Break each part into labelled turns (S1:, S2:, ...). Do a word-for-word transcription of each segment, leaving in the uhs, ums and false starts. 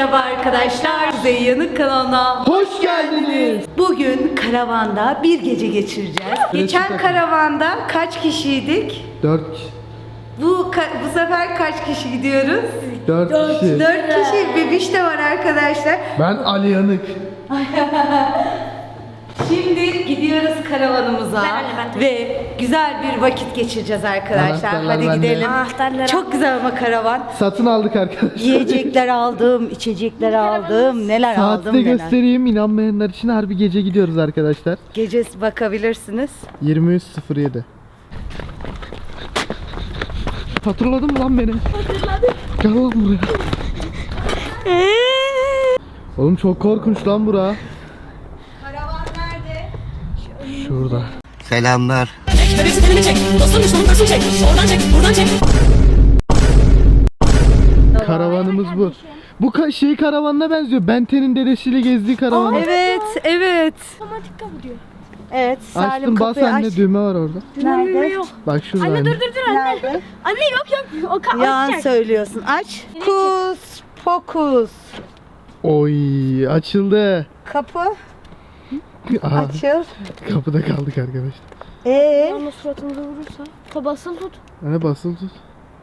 S1: merhaba arkadaşlar. Kuzey Yanık kanalına
S2: hoş geldiniz.
S1: Bugün karavanda bir gece geçireceğiz. Geçen
S2: takım.
S1: karavanda kaç kişiydik?
S2: Dört kişi.
S1: Bu bu sefer kaç kişi gidiyoruz?
S2: Dört kişi.
S1: Dört kişi. Bebiş de var arkadaşlar.
S2: Ben Ali Yanık.
S1: Şimdi gidiyoruz karavanımıza
S3: Ben anne, ben
S1: ve güzel bir vakit geçireceğiz arkadaşlar.
S2: Anahtarlar
S1: Hadi
S2: bende.
S1: gidelim.
S3: Anahtarlar.
S1: Çok güzel ama karavan.
S2: Satın aldık arkadaşlar.
S1: Yiyecekler aldım, içecekler aldım, neler
S2: Saati
S1: aldım
S2: de
S1: neler.
S2: göstereyim. İnanmayanlar için harbi gece gidiyoruz arkadaşlar.
S1: Gecesi bakabilirsiniz.
S2: yirmi üç sıfır yedi. Hatırladın mı lan beni?
S3: Hatırladım.
S2: Gel lan buraya. Oğlum çok korkunç lan bura.
S1: Karavan nerede?
S2: Şurada.
S4: Selamlar.
S5: Resimlerini çek, dostun düşmanın kasını çek, oradan çek, buradan çek.
S2: Karavanımız bu. Bu ka- şey karavanına benziyor. Benten'in dedesiyle gezdiği karavan.
S1: Evet, evet.
S3: Otomatik kapatıyor.
S1: Evet, Salim
S2: Açtım, bas
S1: kapıyı
S2: anne,
S1: aç.
S2: düğme var orada.
S1: Nerede?
S3: Yok.
S2: Bak şurada
S3: Anne
S2: anne.
S3: dur dur dur anne.
S1: Nerede?
S3: Anne yok yok. O ka
S1: Yalan
S3: açacak.
S1: söylüyorsun. Aç. Kus, pokus.
S2: Oy, açıldı.
S1: Kapı
S2: Aha,
S1: açıl.
S2: kapıda kaldık arkadaşlar.
S1: Ee,
S3: Ama suratımıza vurursa. Tabasını tut.
S2: Anne basılı tut.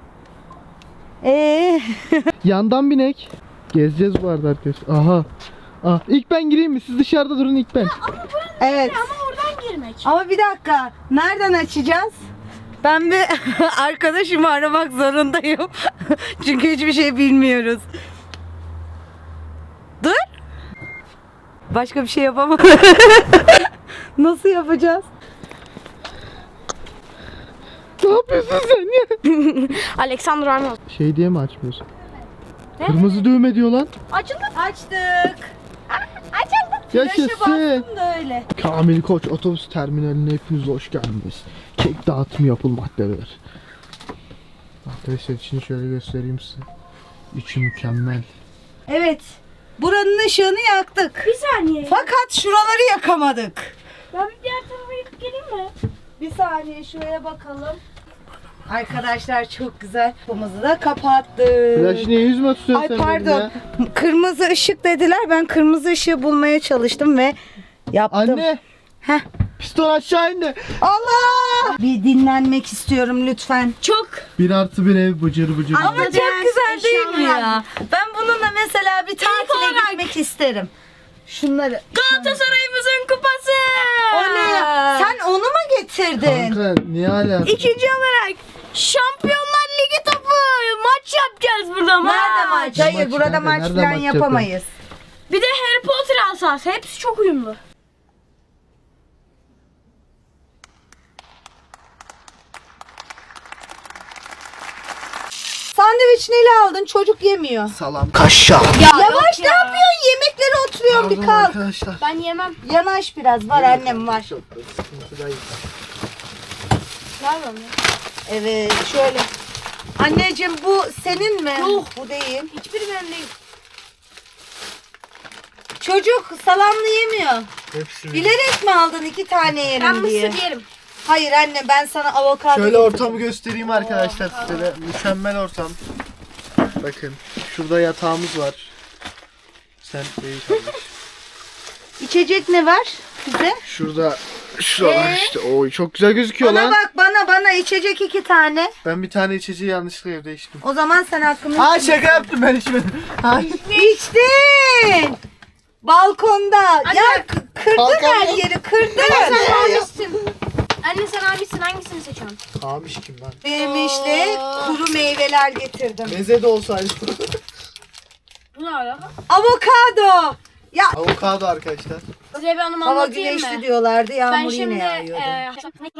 S1: ee.
S2: Yandan binek. Gezeceğiz bu arada arkadaşlar. Aha. Ah, ilk ben gireyim mi? Siz dışarıda durun, ilk ben.
S1: Evet.
S3: Ama oradan girmek.
S1: Ama bir dakika. Nereden açacağız? Ben bir arkadaşımı aramak zorundayım. Çünkü hiçbir şey bilmiyoruz. Dur. Başka bir şey yapamam. Nasıl yapacağız?
S2: Ne yapıyorsun sen ya?
S3: Alexander Arnold.
S2: Şey diye mi açmıyorsun? Kırmızı düğme diyor lan.
S3: Açıldı.
S1: Açtık.
S3: Açıldı.
S1: Flaşı
S2: Yaşasın.
S1: bastım da öyle.
S2: Kamil Koç otobüs terminaline hepiniz hoş geldiniz. Kek dağıtımı yapılmaktadır. Arkadaşlar içini şöyle göstereyim size. İçi mükemmel.
S1: Evet. Buranın ışığını yaktık.
S3: Bir saniye.
S1: Fakat şuraları yakamadık.
S3: Ben bir diğer tarafa gidip geleyim mi?
S1: Bir saniye şuraya bakalım. Arkadaşlar çok güzel. Kapımızı da kapattık.
S2: Flash niye yüzüme tutuyorsun
S1: Ay
S2: sen benim
S1: pardon.
S2: ya?
S1: Kırmızı ışık dediler. Ben kırmızı ışığı bulmaya çalıştım ve yaptım.
S2: Anne.
S1: Heh.
S2: Piston aşağı indi.
S1: Allah! Bir dinlenmek istiyorum lütfen.
S3: Çok.
S2: Bir artı bir ev bıcır bıcır.
S1: Ama
S3: Anladım.
S1: çok güzel değil mi
S3: Eşyalar.
S1: ya? Ben bununla mesela bir tatile
S3: olarak-
S1: gitmek isterim. Şunları.
S3: Galatasaray'ımızın kupası.
S1: O ne ya? Sen onu mu getirdin?
S2: Kanka niye hala?
S3: İkinci olarak Şampiyonlar Ligi topu. Maç yapacağız burada maç.
S1: Nerede maç? Hayır
S2: Maç
S1: burada
S2: nerede?
S1: maç
S2: Nerede
S1: falan
S2: maç
S1: yapamayız.
S3: Bir de Harry Potter asası. Hepsi çok uyumlu.
S1: Sandviç neyle aldın? Çocuk yemiyor.
S2: Salam. Kaşar.
S1: Yavaş ne yapıyorsun? Yemeklere oturuyorsun bir kalk.
S2: Arkadaşlar.
S3: Ben yemem.
S1: Yanaş biraz var annem var.
S3: Ver bana.
S1: Evet şöyle. Anneciğim bu senin mi?
S3: Yok.
S1: Bu değil.
S3: Hiçbiri benim değil.
S1: Çocuk salamlı yemiyor.
S2: Hepsi.
S1: Bilerek mi aldın iki tane
S3: Ben
S1: yerim diye?
S3: mısır yerim.
S1: Hayır anne ben sana avokado
S2: Şöyle
S1: yedim.
S2: ortamı göstereyim arkadaşlar size de. Mükemmel ortam. Bakın şurada yatağımız var. Sen iyi çalış.
S1: İçecek ne var bize?
S2: Şurada şuralar işte. Oy çok güzel gözüküyor
S1: Bana
S2: lan.
S1: bak bana bana içecek iki tane.
S2: Ben bir tane içeceği yanlışlıkla evde içtim.
S1: O zaman sen hakkını
S2: Ha şaka yaptım ben içmedim. Ay.
S1: İçtin. Balkonda. Ya k- kırdın
S2: Kalkamam.
S1: her yeri kırdın.
S3: Sen abisin. Anne sen abisin. Hangisini seçiyorsun?
S2: Kamış kim lan?
S1: Benim işte kuru meyveler getirdim.
S2: Meze de olsaydı.
S3: Bu ne alaka?
S1: Avokado. Ya
S2: Avokado arkadaşlar.
S3: Size bir anımı
S1: hava
S3: anlatayım
S1: güneşli
S3: mı?
S1: diyorlardı.
S3: Ben
S1: Yağmur
S3: şimdi
S1: yine yağıyordu.
S3: e,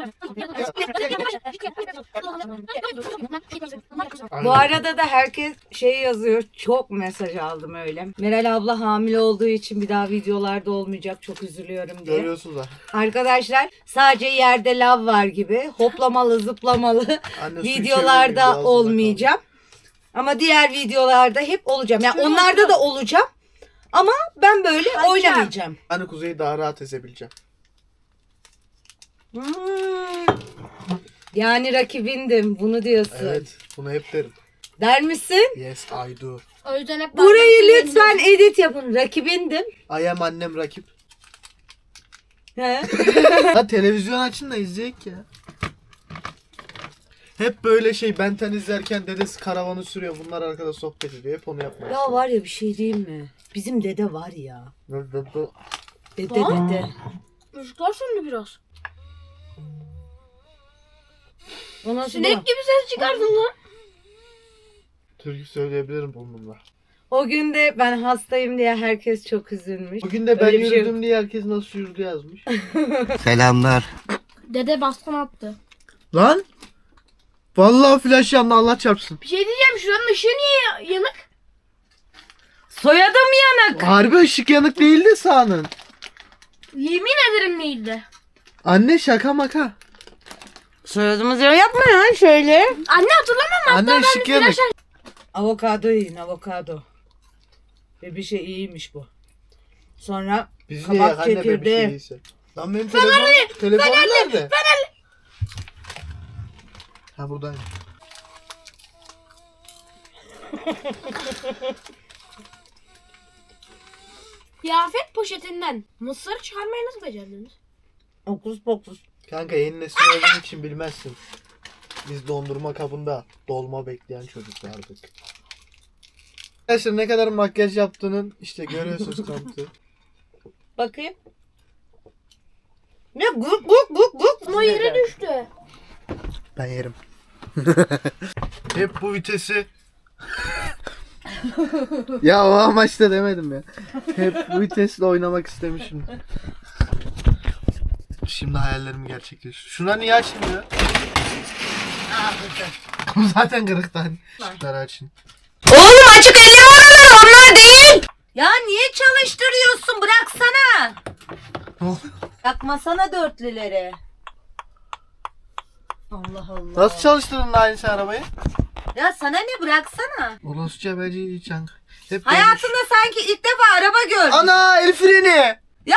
S1: Bu arada da herkes şey yazıyor. Çok mesaj aldım öyle. Meral abla hamile olduğu için bir daha videolarda olmayacak. Çok üzülüyorum diye.
S2: Görüyorsunuz da.
S1: Arkadaşlar sadece yerde lav var gibi hoplamalı zıplamalı
S2: Anne, su içebilir
S1: videolarda
S2: miyim?
S1: olmayacağım. Ama diğer videolarda hep olacağım. Yani onlarda da olacağım. Ama ben böyle oynamayacağım.
S2: Hani Kuzey'i daha rahat ezebileceğim.
S1: Hmm. Yani rakibindim bunu diyorsun.
S2: Evet bunu hep derim.
S1: Der misin?
S2: Yes I do.
S3: O yüzden hep
S1: Burayı lütfen edit yapın. Rakibindim.
S2: I am annem rakip.
S1: He?
S2: Ha televizyon açın da izleyek ya. Hep böyle şey Benten izlerken dedesi karavanı sürüyor. Bunlar arkada sohbet ediyor. Hep onu yapmaya.
S1: Ya var ya bir şey diyeyim mi? Bizim dede var ya.
S2: istiyor.
S1: Dede dede.
S3: Müzikler söndü biraz.
S1: O nasıl
S3: Sinek
S1: bu?
S3: gibi ses çıkardın lan.
S2: Türkü söyleyebilirim bununla.
S1: O gün de ben hastayım diye herkes çok üzülmüş.
S2: Bugün de ben
S1: Öyle bir şey
S2: yürüdüm diye herkes nasıl yürüdü yazmış.
S4: Selamlar.
S3: Dede baskın attı.
S2: Lan! Vallahi flash yandı Allah çarpsın.
S3: Bir şey diyeceğim, şuranın ışığı niye yanık?
S1: Soyadım yanık.
S2: Harbi ışık yanık değildi sahanın.
S3: Yemin ederim değildi.
S2: Anne şaka maka.
S1: Soyadımız yanık yapma ya şöyle.
S3: Anne hatırlamam mı?
S2: Anne ışık yanık.
S1: Avokado yiyin avokado. Ve bir şey iyiymiş bu. Sonra
S2: Biz niye
S1: kabak
S2: yak anne be bir şey
S1: çekirdeği.
S2: değilse. Lan benim telefon, telefon nerede? Ha buradayım.
S3: Kıyafet poşetinden mısır çıkarmayı nasıl becerdiniz?
S1: Okus pokus.
S2: Kanka yeni nesil olduğun için bilmezsin. Biz dondurma kabında dolma bekleyen çocuklardık. Arkadaşlar ne kadar makyaj yaptığının işte görüyorsunuz kanıtı.
S1: Bakayım. Ne guk guk guk guk.
S3: Ama yere düştü.
S2: Ben yerim. Hep bu vitesi. Ya o amaçla demedim ya. Hep bu vitesle oynamak istemişim. Şimdi hayallerimi gerçekleştiriyor. Şuna niye açmıyor? Zaten kırıktan. Şunları açın.
S1: Oğlum açık elli oralar onlar değil. Ya niye çalıştırıyorsun? Bıraksana.
S2: Ne oluyor?
S1: Yakmasana dörtlüleri. Allah Allah.
S2: Nasıl çalıştırdın da aynısı arabayı?
S1: Ya sana ne bıraksana.
S2: Orosca beci çank. Hep
S1: Hayatında sanki ilk defa araba gördüm.
S2: Ana el freni.
S1: Ya!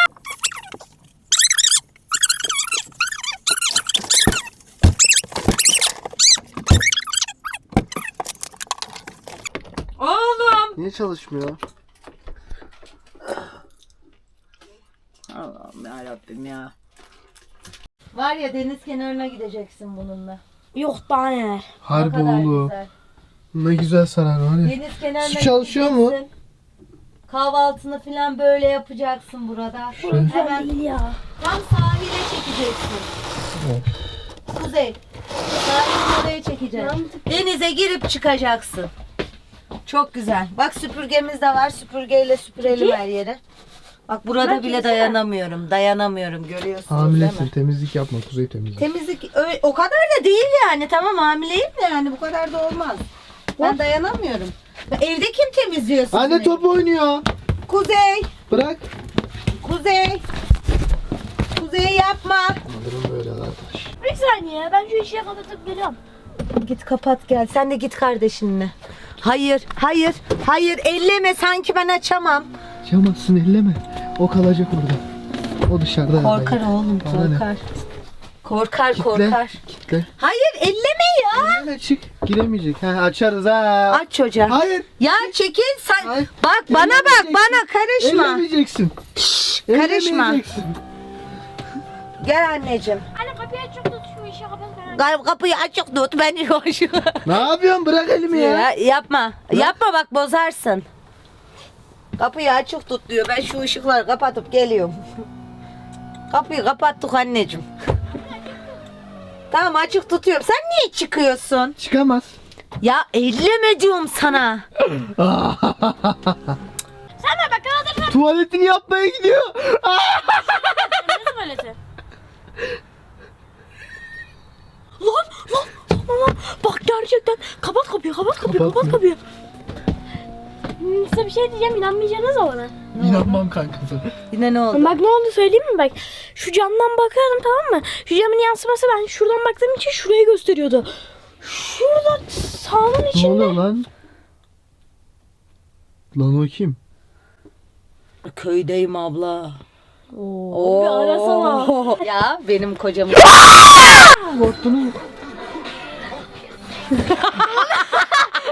S1: Oğlum.
S2: Niye çalışmıyor?
S1: Allah'ım yarabbim ya. Var ya deniz kenarına gideceksin bununla.
S3: Yok daha neler.
S1: Ne
S2: Harbi
S1: kadar
S2: oğlum.
S1: güzel.
S2: Ne güzel sarar var ya.
S1: Deniz kenarına
S2: Su çalışıyor mu?
S1: gideceksin. Kahvaltını falan böyle yapacaksın burada. Hemen
S3: Değil ya.
S1: tam sahile çekeceksin. Kuzey. Sahilin oraya çekeceksin. Denize girip çıkacaksın. Çok güzel. Bak süpürgemiz de var. Süpürgeyle süpürelim her yeri. Bak burada bile dayanamıyorum. Dayanamıyorum. Görüyorsunuz değil
S2: Hamilesin
S1: mi?
S2: temizlik yapma kuzey temizlik.
S1: Temizlik öyle, o kadar da değil yani. Tamam hamileyim de yani bu kadar da olmaz. Ben dayanamıyorum. Evde kim temizliyor sizi?
S2: Anne top oynuyor.
S1: Kuzey.
S2: Bırak.
S1: Kuzey. Kuzey yapma.
S2: Alırım böyle kardeş.
S3: Bir saniye, ben şu işi kapatıp geliyorum.
S1: Git kapat gel. Sen de git kardeşinle. Hayır, hayır, hayır. Elleme sanki ben açamam.
S2: Çamazsın elleme. O kalacak orada. O dışarıda.
S1: Korkar
S2: yani.
S1: oğlum,
S2: Bana ne?
S1: korkar. Korkar,
S2: Kitle.
S1: korkar.
S2: Kitle.
S1: Hayır, elleme ya.
S2: Öyle çık. Giremeyecek. Ha, açarız ha.
S1: Aç çocuğa.
S2: Hayır.
S1: Ya çekil sen.
S2: Hayır.
S1: Bak bana bak,
S2: Ellemeyeceksin.
S1: bana karışma.
S2: Ellemeyeceksin.
S1: karışma.
S2: Ellemeyeceksin.
S1: Gel anneciğim.
S3: Anne kapıyı açıp tut, şu işi kapat.
S1: Gel kapıyı açık tut. Ben şu
S2: Ne yapıyorsun? Bırak elimi ya.
S1: ya, yapma. Yapma bak bozarsın. Kapıyı açık tut diyor. Ben şu ışıkları kapatıp geliyorum. Kapıyı kapattık anneciğim. Tamam açık tutuyorum. Sen niye çıkıyorsun?
S2: Çıkamaz.
S1: Ya elleme diyorum sana.
S3: Sen de bak kaldır.
S2: Tuvaletini yapmaya gidiyor.
S3: Ne tuvaleti? Lan lan lan bak gerçekten kapat kapıyı kapat kapıyı kapat
S2: Kapatmıyor.
S3: kapıyı. Hmm, size bir şey diyeceğim, inanmayacaksınız ama bana.
S2: İnanmam kankası.
S1: Yine ne oldu?
S3: Bak ne oldu söyleyeyim mi bak. Şu camdan bakıyorum tamam mı? Şu camın yansıması ben şuradan baktığım için şurayı gösteriyordu. Şurada sahanın
S2: Ne
S3: içinde.
S2: oluyor lan? Lan o kim?
S1: Köydeyim abla.
S3: Oo, bir arasana.
S1: Ya benim kocam.
S2: Korktunuz mu?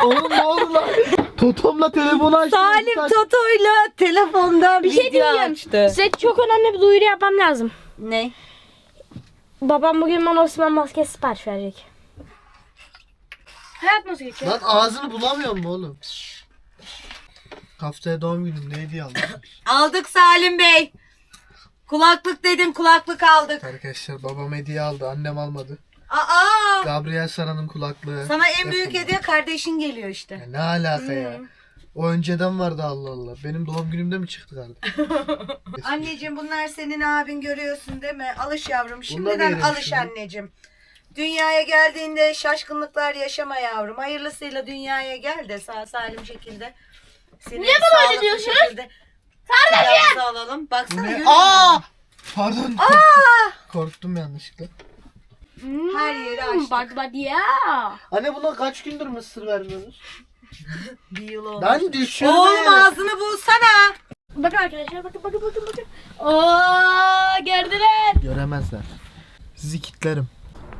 S2: Oğlum ne oldu lan? Totomla telefonu açtı.
S1: Salim Toto'yla telefonda
S3: Bir şey
S1: video
S3: diyeceğim.
S1: açtı.
S3: Size çok önemli bir duyuru yapmam lazım.
S1: Ne?
S3: Babam bugün bana Osman maskesi sipariş verecek. Hayat nasıl geçiyor?
S2: Lan ağzını bulamıyor mu oğlum? Haftaya doğum günüm, ne hediye aldın?
S1: Aldık Salim Bey. Kulaklık dedim, kulaklık aldık.
S2: Arkadaşlar babam hediye aldı, annem almadı.
S1: Aa!
S2: Gabriel Sara'nın kulaklığı.
S1: Sana en büyük
S2: yapıldı.
S1: hediye kardeşin geliyor işte.
S2: Ya ne alaka ya? O önceden vardı, Allah Allah. Benim doğum günümde mi çıktı kardeşim?
S1: Anneciğim bunlar senin abin, görüyorsun değil mi? Alış yavrum.
S2: Bunlar
S1: Şimdiden
S2: verelim
S1: alış
S2: şimdi.
S1: anneciğim. Dünyaya geldiğinde şaşkınlıklar yaşama yavrum. Hayırlısıyla dünyaya gel de sağ salim şekilde. Seni
S3: Niye bana öyle
S1: sağlıklı
S3: diyorsun?
S1: şekilde kucağımıza alalım. Baksana
S2: Bu ne?
S1: görüyor musun?
S2: Aa! Pardon. Korktum yanlışlıkla.
S1: Her yeri açtık.
S3: Bak bak ya.
S2: Anne buna kaç gündür mısır vermiyoruz?
S1: Bir yıl olmuş.
S2: Ben düşüyorum.
S1: Oğlum ağzını bulsana.
S3: Bakın arkadaşlar bakın bakın bakın bakın. Oo gördüler.
S2: Göremezler. Sizi kitlerim.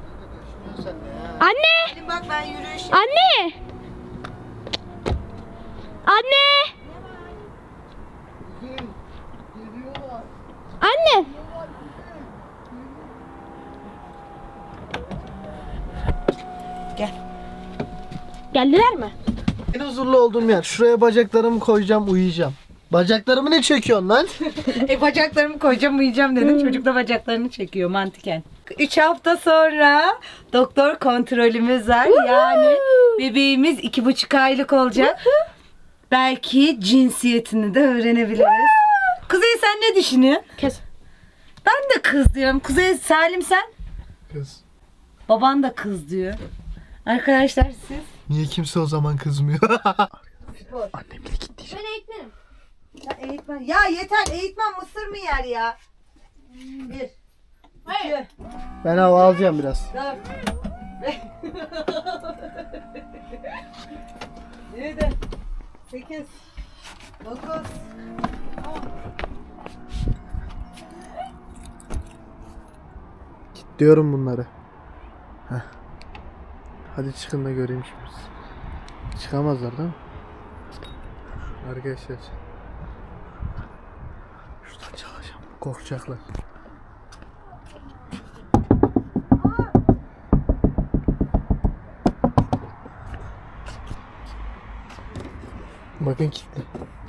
S3: Anne!
S1: Bak ben yürüyüş.
S3: Anne! Anne! Anne!
S1: Gel.
S3: Geldiler mi?
S2: En huzurlu olduğum yer. Şuraya bacaklarımı koyacağım, uyuyacağım. Bacaklarımı ne çekiyorsun lan?
S1: E bacaklarımı koyacağım uyuyacağım dedim. Çocuk da bacaklarını çekiyor mantıken. üç hafta sonra doktor kontrolümüz var. Yani bebeğimiz iki buçuk aylık olacak. Belki cinsiyetini de öğrenebiliriz. Kuzey sen ne düşünüyorsun?
S3: Kes.
S1: Ben de kız diyorum. Kuzey Salim sen?
S2: Kız.
S1: Baban da kız diyor. Arkadaşlar siz?
S2: Niye kimse o zaman kızmıyor? Annemle git diyeceğim.
S3: Ben eğitmenim.
S1: Ya eğitmen. Ya yeter, eğitmen mısır mı yer ya? Bir.
S3: Hayır.
S1: İki.
S2: Ben hava alacağım biraz.
S1: Dört. Beş. Yedi. Sekiz. Dokuz.
S2: Diyorum bunları. Heh. Hadi çıkın da göreyim şimdi. Çıkamazlar değil mi? Arkadaşlar. Şuradan çalacağım. Korkacaklar. Bakın kilitli.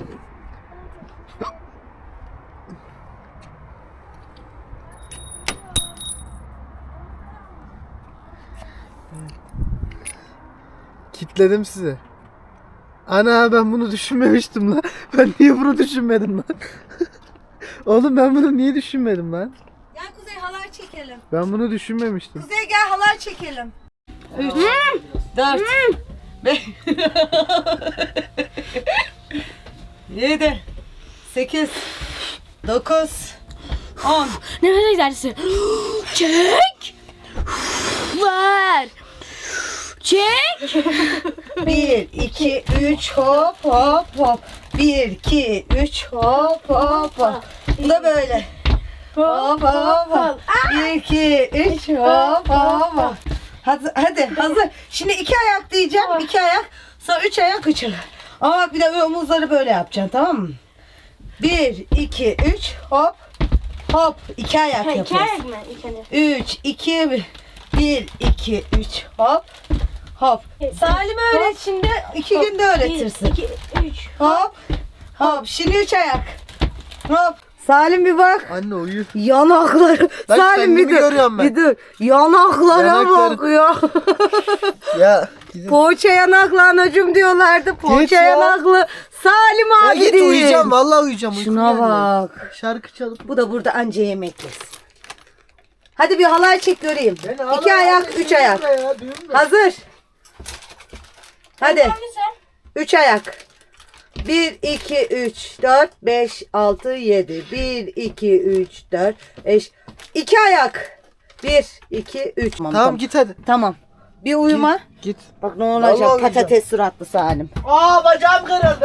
S2: Kitledim sizi. Ana ben bunu düşünmemiştim lan. Ben niye bunu düşünmedim lan? Oğlum ben bunu niye düşünmedim lan?
S1: Gel Kuzey halay çekelim.
S2: Ben bunu düşünmemiştim.
S1: Kuzey gel halay çekelim. Üç. Dört. Beş. Yedi. Sekiz. Dokuz. On.
S3: Nefes egzersizi. Çek. Ver. Çek.
S1: Bir, iki, üç, hop hop hop. Bir, iki, üç, hop hop hop. Bu da böyle. Hop hop hop. Bir, iki, üç, hop hop hop. Hadi, hadi hazır. Şimdi iki ayak diyeceğim. iki ayak. Sonra üç ayak üç ayak. Ama bak bir de böyle omuzları böyle yapacaksın, tamam mı? Bir, iki, üç, hop. Hop. İki ayak
S3: Ha, iki
S1: yapıyoruz.
S3: ayak mı? İki ayak.
S1: Üç, iki, bir. Bir, iki, üç, hop. Hop. Salim öğret şimdi. iki
S3: Hop.
S1: günde öğretirsin.
S3: Bir, iki, üç.
S1: Hop. Hop. Şimdi üç ayak. Hop. Salim bir bak.
S2: Anne uyu.
S1: Yanakları.
S2: Bak
S1: Salim bir
S2: kendimi
S1: dur.
S2: görüyorum ben.
S1: Bir dur. Yanaklara
S2: Yanakları.
S1: bak ya.
S2: Ya gidin.
S1: Poğaça yanaklı anacım diyorlardı. Poğaça
S2: ya.
S1: yanaklı. Salim
S2: Ya
S1: abi
S2: git
S1: değil.
S2: uyuyacağım. Vallahi uyuyacağım. Uykum
S1: Şuna
S2: geldi.
S1: bak.
S2: Şarkı çalıp.
S1: Bu da burada anca yemek yesin. Hadi bir halay çek göreyim.
S2: Ben
S1: İki
S2: hala
S1: ayak,
S2: ağzını
S1: üç ayak.
S2: yiyeyim ya, duyuyor musun?
S1: Hazır. Hadi.
S3: Hangisi?
S1: Üç ayak. Bir, iki, üç, dört, beş, altı, yedi. Bir, iki, üç, dört, beş. İki ayak. Bir, iki, üç. Tamam,
S2: Tamam git hadi.
S1: Tamam. Bir uyuma.
S2: Git. Git.
S1: Bak ne olacak,
S2: Vallahi uyuyacağım.
S1: patates suratlı Salim.
S2: Aa bacağım kırıldı.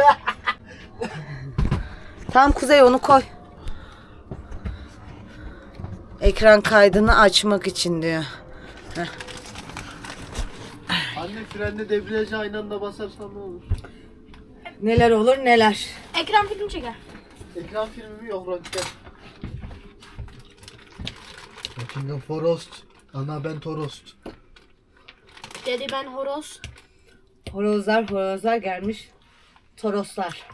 S1: Tamam Kuzey onu koy. Ekran kaydını açmak için diyor.
S2: Anne frenle debriyaja aynı anda basarsan ne olur?
S1: Neler olur neler.
S3: Ekran film çeker.
S2: Ekran filmi mi yok röntgen? Röntgen Forost. Ana ben Torost.
S3: Dedi ben horoz.
S1: Horozlar horozlar gelmiş. Toroslar.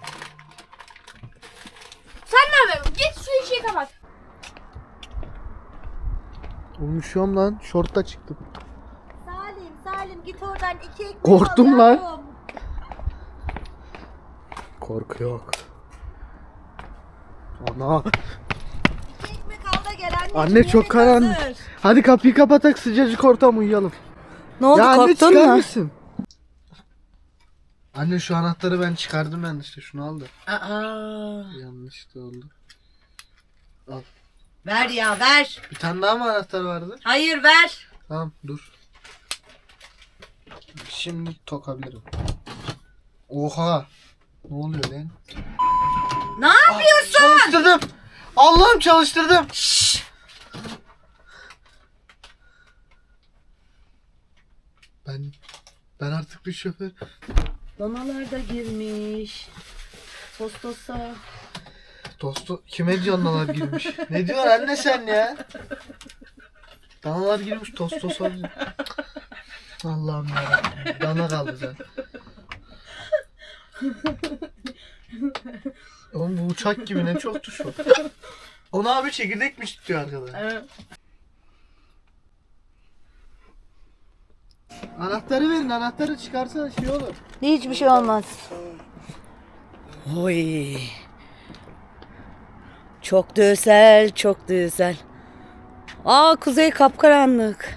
S3: Sen ne yapıyorsun? Git şu işi kapat.
S2: Olmuşum lan. Şortta çıktım.
S1: Salim Salim git oradan iki ekmek
S2: Korktum
S1: al
S2: lan.
S1: yavrum.
S2: Korku yok. Ana.
S1: İki ekmek al da gel anneciğim.
S2: Anne çok
S1: yemek
S2: karanlık.
S1: hazır.
S2: Hadi kapıyı kapatak sıcacık ortam uyuyalım.
S1: Ne oldu
S2: Ya anne
S1: korktun
S2: çıkar
S1: mu?
S2: mısın? Anne şu anahtarı ben çıkardım yanlışlıkla şunu al da.
S1: Aa,
S2: Yanlış da oldu. Al.
S1: ver ya ver.
S2: Bir tane daha mı anahtar vardı?
S1: Hayır ver.
S2: Tamam dur. Şimdi tokabilirim. Oha. Ne oluyor lan?
S1: Ne yapıyorsun?
S2: Çalıştırdım. Allah'ım çalıştırdım. Ben ben artık bir şoför.
S1: Danalar da girmiş. Tostosa.
S2: Dostu kime danalar girmiş? Ne diyorsun anne sen ya? Danalar girmiş tostos olacak. Allah'ım yarabbim. Dana kaldı zaten. Oğlum bu uçak gibi ne çok tuş var. Ona abi çekirdekmiş diyor arkada.
S1: Evet.
S2: Anahtarı verin, anahtarı çıkarsa şey olur.
S1: Hiçbir şey olmaz. Oy. Çok da güzel, çok da güzel. Aa kuzey kapkaranlık.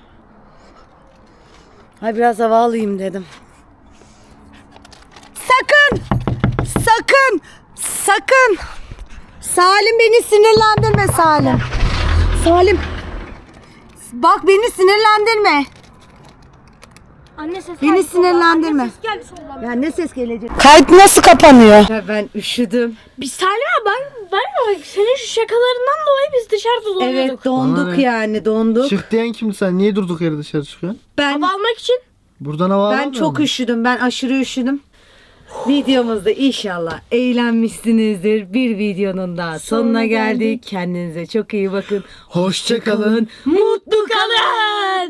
S1: Hay biraz hava alayım dedim. Sakın! Sakın! Sakın! Salim beni sinirlendirme Salim. Salim. Bak beni sinirlendirme.
S3: Anne ses
S1: Beni
S3: geldi soldan.
S1: sinirlendirme.
S3: Anne ses geldi soldan.
S1: Ya ne ses gelecek? Kayıt nasıl kapanıyor? Ben üşüdüm.
S3: Biz Salim abi ben, ben bak senin şu şakalarından dolayı biz dışarıda dolanıyorduk.
S1: Evet donduk
S2: Bana ne?
S1: yani donduk.
S2: Çık diyen kimdi sen? Niye durduk yere dışarı çıkıyorsun?
S1: Ben
S3: Hava almak için.
S2: Buradan hava
S1: ben
S2: alamıyor
S1: çok
S2: musun?
S1: üşüdüm. Ben aşırı üşüdüm. Videomuzda inşallah eğlenmişsinizdir. Bir videonun daha sonuna
S3: Sonuna
S1: geldik.
S3: geldik.
S1: Kendinize çok iyi bakın.
S2: Hoşça kalın.
S1: Mutlu kalın.